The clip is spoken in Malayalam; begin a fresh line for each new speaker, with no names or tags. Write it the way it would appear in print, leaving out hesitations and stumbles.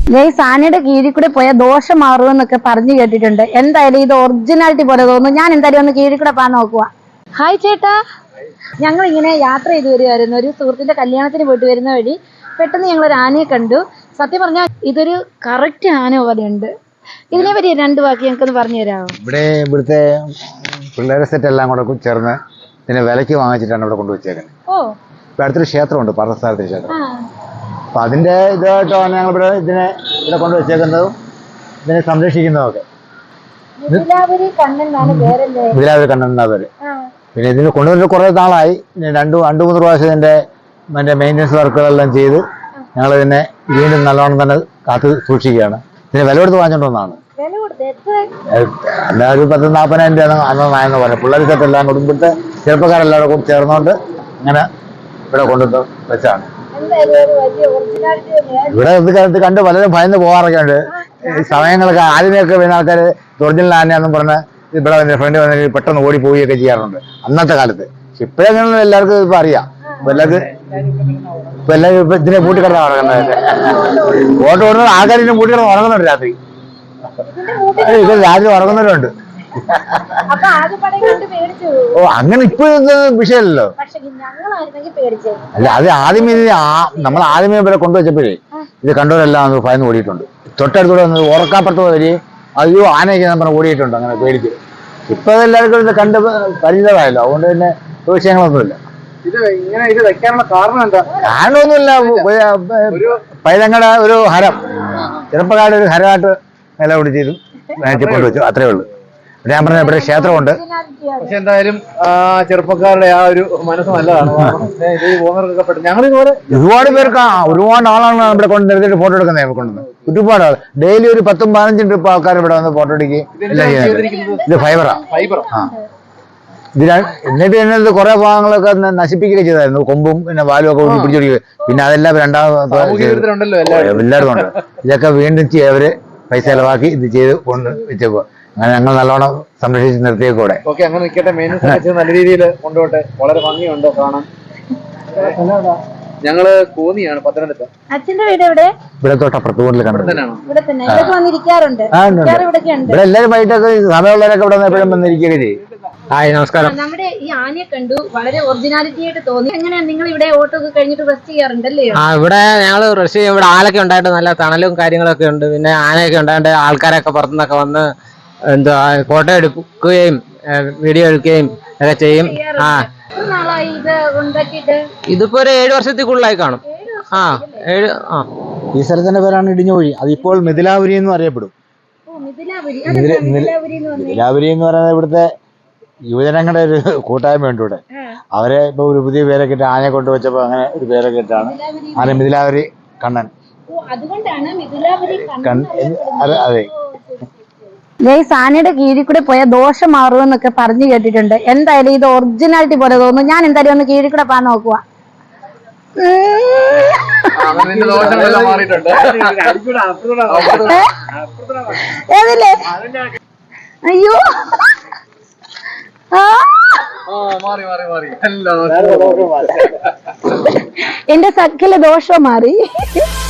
സാനിയുടെ കീഴിൽ കൂടെ പോയ ദോഷം മാറുമെന്നൊക്കെ പറഞ്ഞു കേട്ടിട്ടുണ്ട്. എന്തായാലും ഇത് ഒറിജിനാലിറ്റി പോലെ തോന്നുന്നു. ഞാൻ എന്തായാലും ഒന്ന് കീഴിൽ കൂടെ പോകാൻ നോക്കുക. ഹായ് ചേട്ടാ, ഞങ്ങൾ ഇങ്ങനെ യാത്ര ചെയ്ത് വരുമായിരുന്നു. ഒരു സുഹൃത്തിന്റെ കല്യാണത്തിന് പോയിട്ട് വരുന്ന വഴി പെട്ടെന്ന് ഞങ്ങൾ ഒരു ആനയെ കണ്ടു. സത്യം പറഞ്ഞാൽ ഇതൊരു കറക്റ്റ് ആന പോലെയുണ്ട്. ഇതിനെ പറ്റി രണ്ട് വാക്ക് ഞങ്ങൾക്കൊന്ന് പറഞ്ഞു തരാമോ?
ഇവിടുത്തെ പിള്ളേരെ സെറ്റ് എല്ലാം കൂടെ ചേർന്ന് ഇതിനെ വിലയ്ക്ക് വാങ്ങിച്ചിട്ടാണ് ഇവിടെ കൊണ്ടുവച്ചേക്കുന്നത്. ഇപ്പൊ അടുത്തൊരു ക്ഷേത്രമുണ്ട്, പാർത്ഥസാരഥി ക്ഷേത്രം. അപ്പൊ അതിന്റെ ഇതായിട്ടാണ് ഞങ്ങൾ ഇവിടെ കൊണ്ടുവച്ചേക്കുന്നതും ഇതിനെ സംരക്ഷിക്കുന്നതൊക്കെ. മിഥിലാപുരി കണ്ണൻ എന്നാ പേര്. പിന്നെ ഇതിന് കൊണ്ടുവന്നിട്ട് കുറെ നാളായി. രണ്ടു മൂന്ന് പ്രാവശ്യം ഇതിന്റെ മെയിൻ്റെനൻസ് വർക്കുകളെല്ലാം ചെയ്ത് ഞങ്ങൾ ഇതിനെ വീണ്ടും നല്ലോണം തന്നെ കാത്ത് സൂക്ഷിക്കുകയാണ്. ഇതിന് വില കൊടുത്ത് വാങ്ങിച്ചോണ്ടോന്നാണ്. എല്ലാ ഒരു 10-40,000 രൂപ അന്നായെന്ന് പറഞ്ഞു. പിള്ളേർ സെറ്റെല്ലാം കുടുംബത്തെ ചെറുപ്പക്കാരെല്ലാം കൂടി ചേർന്നുകൊണ്ട് അങ്ങനെ ഇവിടെ കൊണ്ടുവന്ന് വെച്ചാണ്. ഇവിടെ ഇത് കണ്ട് പലരും ഭയന്ന് പോകാറൊക്കെ ഉണ്ട്. സമയങ്ങളൊക്കെ ആദ്യമൊക്കെ വരുന്ന ആൾക്കാർ ഒറിജിനൽ ആനയാണെന്നും പറഞ്ഞ് ഇവിടെ ഫ്രണ്ട് വന്ന് പെട്ടെന്ന് ഓടി പോവുകയൊക്കെ ചെയ്യാറുണ്ട് അന്നത്തെ കാലത്ത്. പക്ഷെ ഇപ്പോഴെങ്ങനെ എല്ലാവർക്കും ഇപ്പൊ അറിയാം. ഇപ്പൊ എല്ലാവരും ഇപ്പൊ ഇതിനെ പൂട്ടിക്കിടന്ന് ഉറങ്ങുന്നത്. ഓട്ടോ ഓടുന്നത് ആൾക്കാർ ഇതിനെ പൂട്ടിക്കിടന്ന് ഉറങ്ങുന്നുണ്ട് രാത്രി. ഇത് രാത്രി ഉറങ്ങുന്നവരുണ്ട്. അങ്ങനെ ഇപ്പൊ വിഷയമല്ലോ. അല്ല, അത് ആദ്യമേ നമ്മൾ ഇവരെ കൊണ്ടുവച്ചപ്പോഴേ ഇത് കണ്ടവരെല്ലാം ഭയന്ന് ഓടിയിട്ടുണ്ട്. തൊട്ടടുത്തൂടെ വന്ന് ഉറക്കാപ്പുറത്ത് വരി അയ്യോ ആനയൊക്കെ നമ്മൾ ഓടിയിട്ടുണ്ട് അങ്ങനെ പേടിച്ച്. ഇപ്പൊ എല്ലാവർക്കും ഇത് കണ്ട് പരിചിതമായല്ലോ. അതുകൊണ്ട് തന്നെ വിഷയങ്ങളൊന്നുമില്ല.
ഇത് വെക്കാനുള്ള കാരണം എന്താ?
കാരണമൊന്നുമില്ല. പൈതങ്ങളുടെ ഒരു ഹരം, ചെറുപ്പക്കാരുടെ ഒരു ഹരമായിട്ട് നിലപിടിച്ചതും കൊണ്ടുവച്ചു, അത്രേ ഉള്ളൂ. ഞാൻ പറഞ്ഞ ഇവിടെ ക്ഷേത്രമുണ്ട്.
പക്ഷെ എന്തായാലും ചെറുപ്പക്കാരുടെ ആ ഒരു മനസ്സ് നല്ലതാണ്.
ഒരുപാട് പേർക്ക് ഒരുപാട് ആളാണ് ഇവിടെ കൊണ്ട് നിർത്തിയിട്ട് ഫോട്ടോ എടുക്കുന്നത്. കൊണ്ടുവന്ന് ഒരുപാട് ആൾ ഡെയിലി ഒരു 10-15 ട്രിപ്പ് ആൾക്കാർ ഇവിടെ വന്ന് ഫോട്ടോ എടുക്കുകയും എല്ലാം ചെയ്യുന്നത്. ഇത് ഫൈബർ. എന്നിട്ട് എന്നത് കുറെ ഭാഗങ്ങളൊക്കെ നശിപ്പിക്കുകയൊക്കെ ചെയ്തായിരുന്നു. കൊമ്പും പിന്നെ വാലും ഒക്കെ ഊട്ടി പിടിച്ചോടിക്കുക. പിന്നെ അതെല്ലാം എല്ലായിടത്തും ഉണ്ട്. ഇതൊക്കെ വീണ്ടും അവര് പൈസ ചെലവാക്കി ഇത് ചെയ്ത് കൊണ്ട് വെച്ചേക്കുക. അങ്ങനെ ഞങ്ങൾ നല്ലോണം സംരക്ഷിച്ച് നിർത്തിയേക്കൂടെ.
അങ്ങനെ നിൽക്കട്ടെ. നല്ല രീതിയിൽ കൊണ്ടുപോട്ടെ. വളരെ ഭംഗിയുണ്ട് കാണാൻ. ഞങ്ങള് കോന്നിയാണ്, പത്തനംതിട്ട.
അച്ഛന്റെ വീട് എവിടെ?
ഇവിടെ തൊട്ടപ്പുറത്ത് കൂടുതൽ കണ്ടിട്ടുണ്ട്.
ഇവിടെ
എല്ലാവരും വൈകിട്ടൊക്കെ സമയമുള്ളവരൊക്കെ ഇവിടെ എപ്പോഴും വന്നിരിക്കുകയൊക്കെ ചെയ്യും. ഹായ്, നമസ്കാരം.
നമ്മുടെ ഈ ആനയെ കണ്ടു, വളരെ ഒറിജിനാലിറ്റി ആയിട്ട് തോന്നി. എങ്ങനെയാ നിങ്ങൾ ഇവിടെ ഓട്ടോ ഒക്കെ കഴിഞ്ഞിട്ട് റെസ്റ്റ് ചെയ്യാറുണ്ടല്ലേ?
ഇവിടെ ഞങ്ങൾ റെസ്റ്റ് ചെയ്യും. ഇവിടെ ആലൊക്കെ ഉണ്ടായിട്ട് നല്ല തണലും കാര്യങ്ങളൊക്കെ ഉണ്ട്. പിന്നെ ആനയൊക്കെ ഉണ്ടായിട്ട് ആൾക്കാരൊക്കെ പുറത്തുനിന്നൊക്കെ വന്ന് ഫോട്ടോ എടുക്കുകയും വീഡിയോ എടുക്കുകയും ഒക്കെ ചെയ്യും. ഇതിപ്പോ ഒരു 7 വർഷത്തിൽ കൂടുതലായി കാണും.
ഈ സ്ഥലത്തിന്റെ പേരാണ് ഇടിഞ്ഞുകുഴി. അതിപ്പോൾ മിഥിലാപുരി എന്ന് അറിയപ്പെടും. മിഥിലാപുരി എന്ന് പറയുന്നത് ഇവിടുത്തെ യുവജനങ്ങളുടെ ഒരു കൂട്ടായ്മയുണ്ട് ഇവിടെ. അവരെ ഇപ്പൊ ഒരു പുതിയ പേരൊക്കെ ഇട്ട് ആനയെ കൊണ്ടുവച്ചപ്പോ അങ്ങനെ ഒരു പേരൊക്കെ ഇട്ടാണ് ആന മിഥിലാപുരി കണ്ണൻ. അതെ.
സാനിയുടെ കീഴിൽ കൂടെ പോയ ദോഷം മാറുമെന്നൊക്കെ പറഞ്ഞു കേട്ടിട്ടുണ്ട്. എന്തായാലും ഇത് ഒറിജിനാലിറ്റി പോലെ തോന്നുന്നു. ഞാൻ എന്തായാലും ഒന്ന് കീഴിൽ കൂടെ പോകാൻ നോക്കുക. ഏതല്ലേ? അയ്യോ, എന്റെ സകല ദോഷം മാറി.